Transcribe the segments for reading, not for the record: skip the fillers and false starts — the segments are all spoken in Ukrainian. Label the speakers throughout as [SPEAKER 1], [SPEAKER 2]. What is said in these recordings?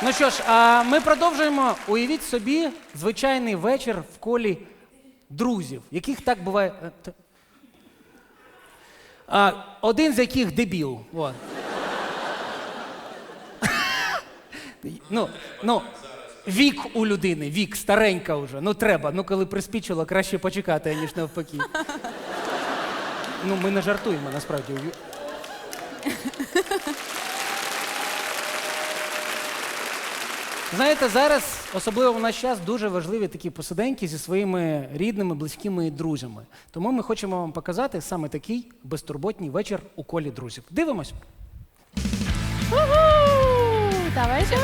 [SPEAKER 1] Ну що ж, а ми продовжуємо. Уявіть собі звичайний вечір в колі друзів, яких так буває. Один з яких дебіл. Вот. Вік у людини, вік, старенька вже. Ну треба. Ну коли приспічило, краще почекати, ніж навпаки. Ну, ми не жартуємо, насправді. Знаєте, зараз, особливо в наш час, дуже важливі такі посиденьки зі своїми рідними, близькими і друзями. Тому ми хочемо вам показати саме такий безтурботній вечір у колі друзів. Дивимось.
[SPEAKER 2] Давайте.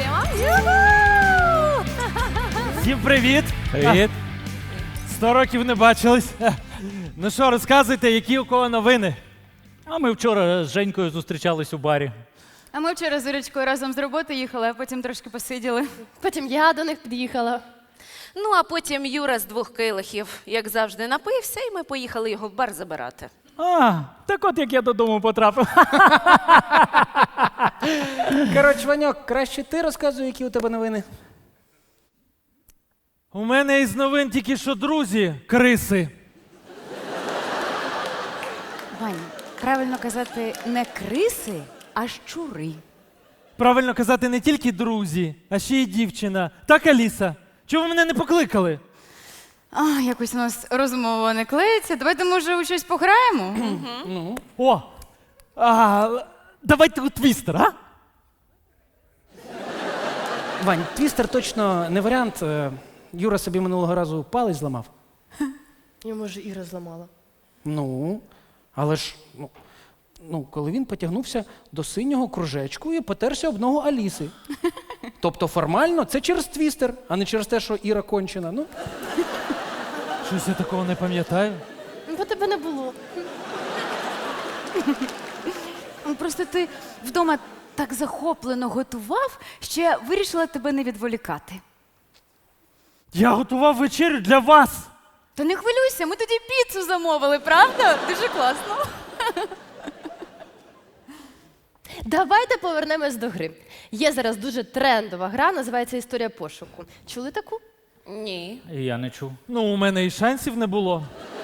[SPEAKER 3] Всім привіт!
[SPEAKER 4] Привіт.
[SPEAKER 3] 100 років не бачились. Ну що, розказуйте, які у кого новини?
[SPEAKER 4] А ми вчора з Женькою зустрічались у барі.
[SPEAKER 2] А ми вчора з Ірочкою разом з роботи їхали, а потім трошки посиділи.
[SPEAKER 5] Потім я до них під'їхала.
[SPEAKER 6] Ну, а потім Юра з 2 келихів, як завжди, напився, і ми поїхали його в бар забирати.
[SPEAKER 4] А, так от як я додому потрапив.
[SPEAKER 1] Коротше, Ваньок, краще ти розказуй, які у тебе новини.
[SPEAKER 3] У мене із новин тільки що друзі, криси.
[SPEAKER 2] Вань, правильно казати не криси, а щури.
[SPEAKER 3] Правильно казати, не тільки друзі, а ще й дівчина. Так, Аліса? Чого ви мене не покликали?
[SPEAKER 2] Якось у нас розмова не клеїться. Давайте, може, у щось пограємо?
[SPEAKER 3] О! Давайте у твістер, а?
[SPEAKER 1] Вань, твістер точно не варіант. Юра собі минулого разу палець зламав.
[SPEAKER 5] Йому ж Іра зламала.
[SPEAKER 1] Ну, але ж, коли він потягнувся до синього кружечку і потерся об ногу Аліси. Тобто формально це через твістер, а не через те, що Іра кончена. Ну.
[SPEAKER 3] Щось я такого не пам'ятаю.
[SPEAKER 5] Бо тебе не було.
[SPEAKER 2] Просто ти вдома так захоплено готував, що я вирішила тебе не відволікати.
[SPEAKER 3] Я готував вечерю для вас.
[SPEAKER 2] Та не хвилюйся, ми тоді піцу замовили, правда? Дуже класно.
[SPEAKER 5] Давайте повернемось до гри. Є зараз дуже трендова гра, називається «Історія пошуку». Чули таку?
[SPEAKER 6] Ні.
[SPEAKER 4] Я не чув.
[SPEAKER 3] Ну, у мене і шансів не було.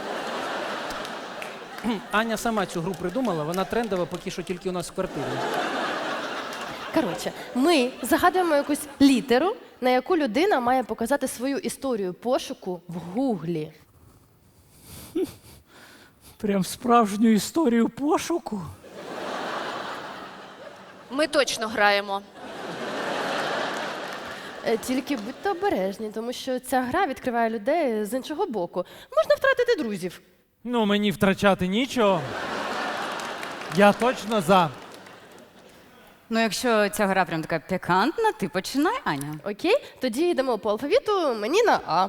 [SPEAKER 1] Аня сама цю гру придумала, вона трендова поки що тільки у нас в квартирі.
[SPEAKER 5] Коротше, ми загадуємо якусь літеру, на яку людина має показати свою історію пошуку в Гуглі.
[SPEAKER 4] Прям справжню історію пошуку.
[SPEAKER 6] Ми точно граємо.
[SPEAKER 5] Тільки будьте обережні, тому що ця гра відкриває людей з іншого боку. Можна втратити друзів.
[SPEAKER 3] Ну, мені втрачати нічого. Я точно за.
[SPEAKER 2] Ну, якщо ця гра прям така пікантна, ти починай, Аня.
[SPEAKER 5] Окей? Тоді йдемо по алфавіту, мені на А.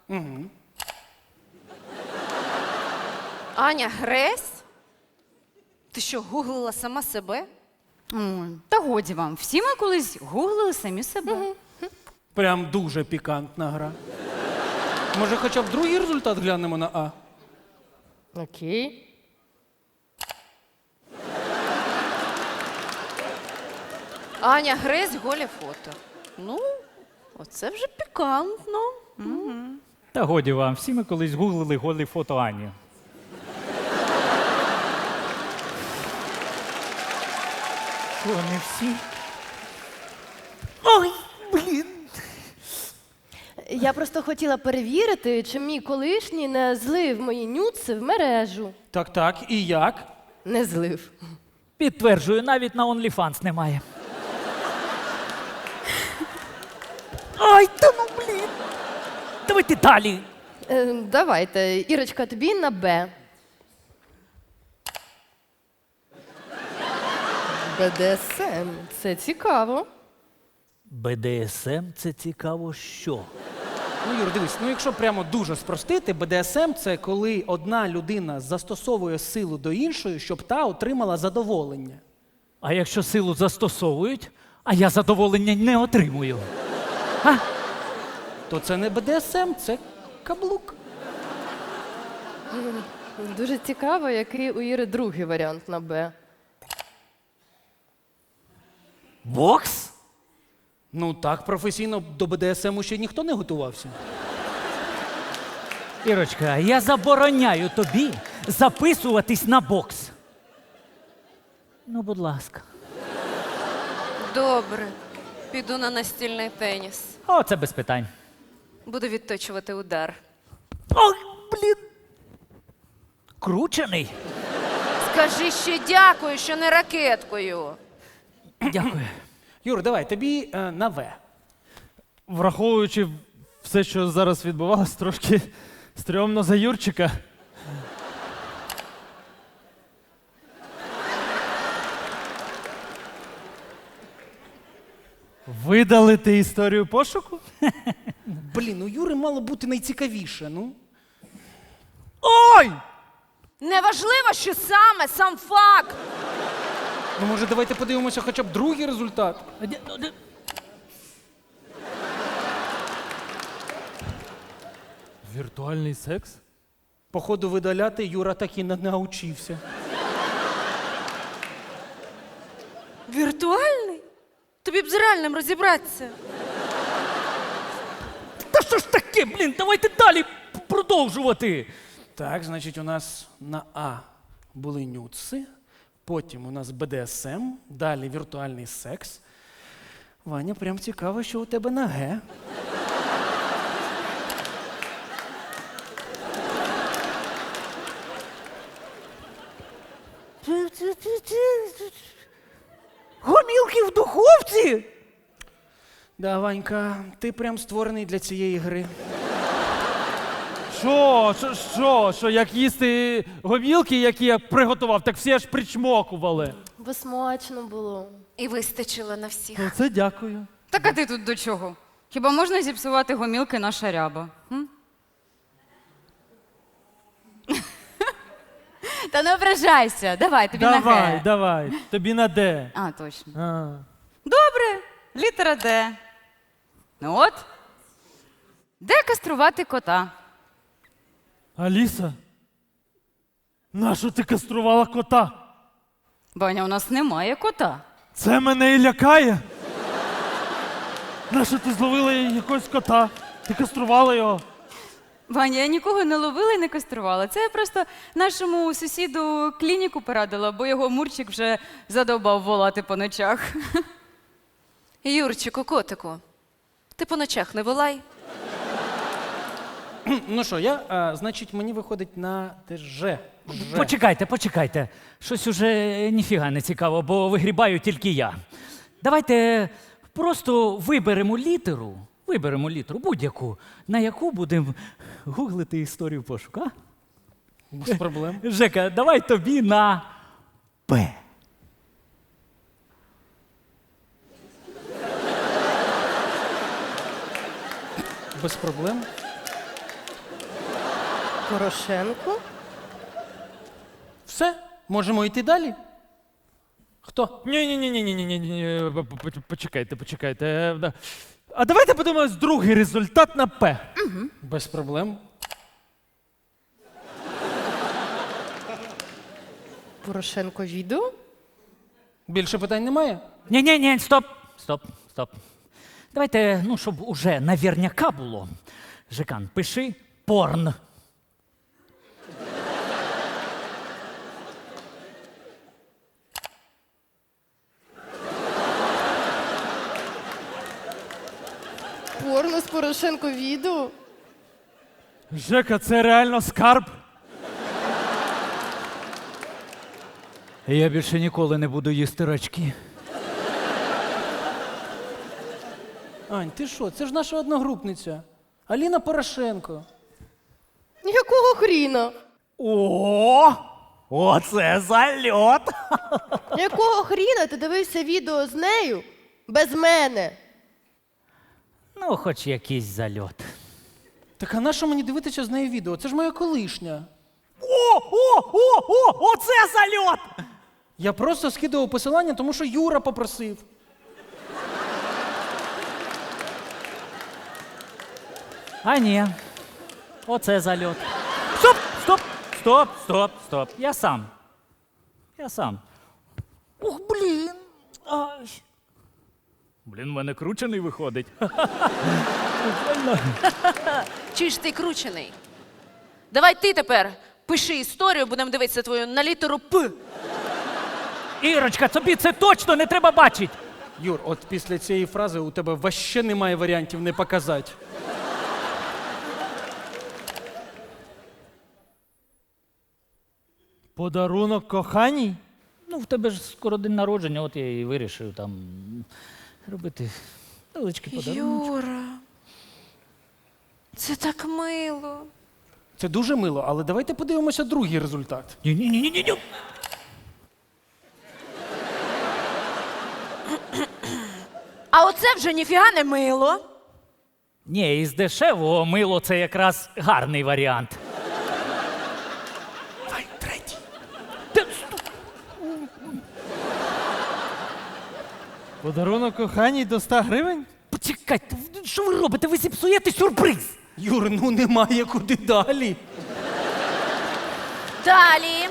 [SPEAKER 6] Аня, Гресь? Ти що, гуглила сама себе?
[SPEAKER 2] Та годі вам, всі ми колись гуглили самі себе.
[SPEAKER 1] Прям дуже пікантна гра. Може, хоча б другий результат глянемо на А?
[SPEAKER 5] Окей.
[SPEAKER 6] Аня, Гресь, голі фото. Ну, оце вже пікантно.
[SPEAKER 4] Та годі вам, всі ми колись гуглили голі фото Ані. Що, не всі? Ой, блін.
[SPEAKER 5] Я просто хотіла перевірити, чи мій колишній не злив мої нюци в мережу.
[SPEAKER 1] Так, і як?
[SPEAKER 5] Не злив.
[SPEAKER 4] Підтверджую, навіть на OnlyFans немає. Ай, та ну блін. Давайте далі.
[SPEAKER 5] Давайте, Ірочка, тобі на Б. БДСМ. Це цікаво.
[SPEAKER 4] БДСМ – це цікаво що?
[SPEAKER 1] Ну, Юр, дивись, якщо прямо дуже спростити, БДСМ – це коли одна людина застосовує силу до іншої, щоб та отримала задоволення.
[SPEAKER 4] А якщо силу застосовують, а я задоволення не отримую?
[SPEAKER 1] То це не БДСМ, це каблук.
[SPEAKER 5] Дуже цікаво, який у Іри другий варіант на Б.
[SPEAKER 4] Бокс?
[SPEAKER 1] Ну так, професійно до БДСМу ще ніхто не готувався.
[SPEAKER 4] Ірочка, я забороняю тобі записуватись на бокс. Ну, будь ласка.
[SPEAKER 6] Добре. Піду на настільний теніс.
[SPEAKER 4] О, це без питань.
[SPEAKER 6] Буду відточувати удар.
[SPEAKER 4] Ой, блін. Кручений.
[SPEAKER 6] Скажи ще дякую, що не ракеткою.
[SPEAKER 4] Дякую.
[SPEAKER 1] Юр, давай, тобі на В.
[SPEAKER 3] Враховуючи все, що зараз відбувалось, трошки стрьомно за Юрчика. Видалити історію пошуку?
[SPEAKER 1] Блін, у Юри мало бути найцікавіше, ну.
[SPEAKER 3] Ой!
[SPEAKER 6] Неважливо, що саме, сам факт.
[SPEAKER 1] Ну, може, давайте подивимося хоча б другий результат.
[SPEAKER 3] Віртуальний секс?
[SPEAKER 1] Походу, видаляти Юра так і не навчився.
[SPEAKER 6] Віртуальний? Тобі б з реальним розібратися.
[SPEAKER 4] Та що ж таке, блін, давайте далі продовжувати.
[SPEAKER 1] Так, значить, у нас на А були нюци, потім у нас БДСМ, далі віртуальний секс. Ваня, прям цікаво, що у тебе на Г.
[SPEAKER 4] Гомілки в духовці?
[SPEAKER 1] Да, Ванька, ти прям створений для цієї гри.
[SPEAKER 3] Що, як їсти гомілки, які я приготував, так всі аж причмокували.
[SPEAKER 5] Бо смачно було.
[SPEAKER 6] І вистачило на всіх.
[SPEAKER 3] Оце дякую.
[SPEAKER 2] Так а ти тут до чого? Хіба можна зіпсувати гомілки на шаряба? Та не ображайся, давай, тобі на Г.
[SPEAKER 3] Давай, тобі на Д.
[SPEAKER 2] А, точно.
[SPEAKER 3] А.
[SPEAKER 2] Добре, літера Д. Ну от. Де каструвати кота?
[SPEAKER 3] Аліса, нащо ти каструвала кота?
[SPEAKER 2] Ваня, у нас немає кота.
[SPEAKER 3] Це мене і лякає. Нащо ти зловила якогось кота? Ти каструвала його.
[SPEAKER 2] Ваня, я нікого не ловила і не каструвала. Це я просто нашому сусіду клініку порадила, бо його Мурчик вже задовбав волати по ночах.
[SPEAKER 6] Юрчику, котику, ти по ночах не волай.
[SPEAKER 1] Ну що, значить, мені виходить на Ж.
[SPEAKER 4] Почекайте. Щось уже ніфіга не цікаво, бо вигрібаю тільки я. Давайте просто виберемо літеру будь-яку, на яку будемо гуглити історію пошуку, а?
[SPEAKER 1] Без проблем.
[SPEAKER 4] Жека, давай тобі на П.
[SPEAKER 1] Без проблем.
[SPEAKER 5] Порошенко?
[SPEAKER 1] Все, можемо йти далі. Хто?
[SPEAKER 3] Ні. Почекайте. А давайте подивимось другий результат на П.
[SPEAKER 1] Без проблем.
[SPEAKER 5] Порошенко відео?
[SPEAKER 1] Більше питань немає?
[SPEAKER 4] Ні, стоп. Давайте, щоб уже навірняка було. Жекан, пиши порн.
[SPEAKER 5] Порно з Порошенко відео?
[SPEAKER 3] Жека, це реально скарб.
[SPEAKER 4] Я більше ніколи не буду їсти рачки.
[SPEAKER 1] Ань, ти що? Це ж наша одногрупниця. Аліна Порошенко.
[SPEAKER 5] Якого хріна?
[SPEAKER 4] Оце зальот!
[SPEAKER 5] Якого хріна ти дивився відео з нею без мене?
[SPEAKER 4] Ну, хоч якийсь зальот.
[SPEAKER 1] Так а на що мені дивитися з нею відео? Це ж моя колишня.
[SPEAKER 4] Оце зальот!
[SPEAKER 1] Я просто скидував посилання, тому що Юра попросив.
[SPEAKER 4] А ні. Оце зальот. Стоп. Я сам. Ух, блін. Ай. Блін, в мене кручений виходить.
[SPEAKER 6] Чи ж ти кручений? Давай ти тепер пиши історію, будемо дивитися твою на літеру П.
[SPEAKER 4] Ірочка, тобі це точно не треба бачити.
[SPEAKER 1] Юр, от після цієї фрази у тебе вообще немає варіантів не показати.
[SPEAKER 3] Подарунок коханій?
[SPEAKER 4] Ну, в тебе ж скоро день народження, от я і вирішив там робити невеличкий подарунок.
[SPEAKER 6] Юра, це так мило.
[SPEAKER 1] Це дуже мило, але давайте подивимося другий результат.
[SPEAKER 4] Ні-ні-ні-ні-ні.
[SPEAKER 6] А оце вже ніфіга не мило.
[SPEAKER 4] Ні, із дешевого мило це якраз гарний варіант.
[SPEAKER 1] Давай, третій.
[SPEAKER 3] Подарунок коханій до 100 гривень?
[SPEAKER 4] Почекайте, що ви робите? Ви зіпсуєте сюрприз.
[SPEAKER 1] Юр, ну немає куди далі.
[SPEAKER 6] Далі.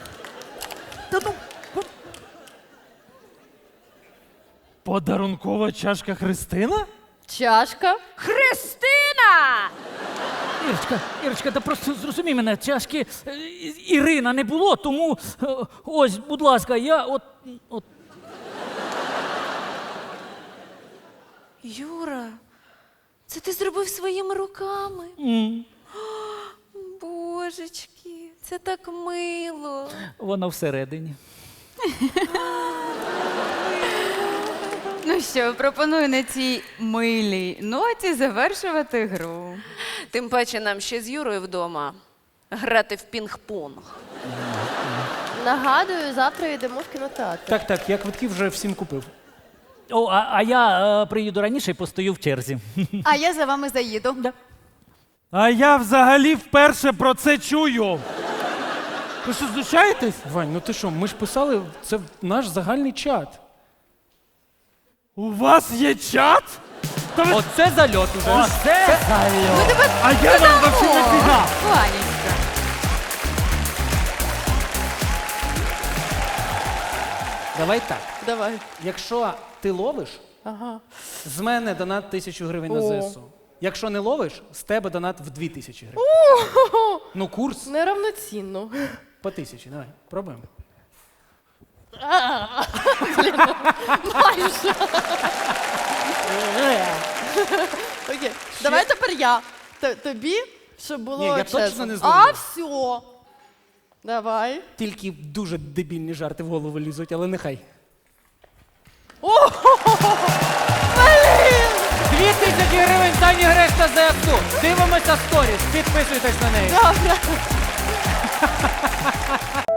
[SPEAKER 3] Подарункова чашка Христина?
[SPEAKER 5] Чашка.
[SPEAKER 6] Христина!
[SPEAKER 4] Ірочка, та просто зрозумій мене, чашки Ірина не було, тому ось, будь ласка, я от.
[SPEAKER 6] Юра, це ти зробив своїми руками. Божечки, це так мило.
[SPEAKER 4] Воно всередині.
[SPEAKER 2] Ну що, пропоную на цій милій ноті завершувати гру.
[SPEAKER 6] Тим паче нам ще з Юрою вдома грати в пінг-понг.
[SPEAKER 5] Нагадую, завтра йдемо в кінотеатр.
[SPEAKER 1] Так, я квитки вже всім купив.
[SPEAKER 4] О, а я приїду раніше і постою в черзі.
[SPEAKER 7] А я за вами заїду.
[SPEAKER 3] А я взагалі вперше про це чую. Ви що, знущаєтесь?
[SPEAKER 1] Вань, ну ти що, ми ж писали, це наш загальний чат.
[SPEAKER 3] У вас є чат? Та ви...
[SPEAKER 1] Оце зальот уже.
[SPEAKER 4] Оце
[SPEAKER 3] А я вам вообще нафіга?
[SPEAKER 2] Ванечка.
[SPEAKER 1] Давай так.
[SPEAKER 5] Давай.
[SPEAKER 1] Якщо ти ловиш,
[SPEAKER 5] Ага.
[SPEAKER 1] з мене донат 1000 гривень на
[SPEAKER 5] О.
[SPEAKER 1] ЗСУ. Якщо не ловиш, з тебе донат в 2000 гривень. Ну, курс
[SPEAKER 5] Неравноцінно.
[SPEAKER 1] по 1000, давай, пробуємо.
[SPEAKER 5] Майже. Окей. Давай тепер я. Тобі, щоб було
[SPEAKER 1] Ні, я
[SPEAKER 5] чесно.
[SPEAKER 1] точно не
[SPEAKER 5] А,
[SPEAKER 1] зловлю.
[SPEAKER 5] все. Давай.
[SPEAKER 1] Тільки дуже дебільні жарти в голову лізуть, але нехай. 2000 гривень Сані Грешта ЗСУ. Дивимося сторіс, підписуйтесь на неї.
[SPEAKER 5] Добре.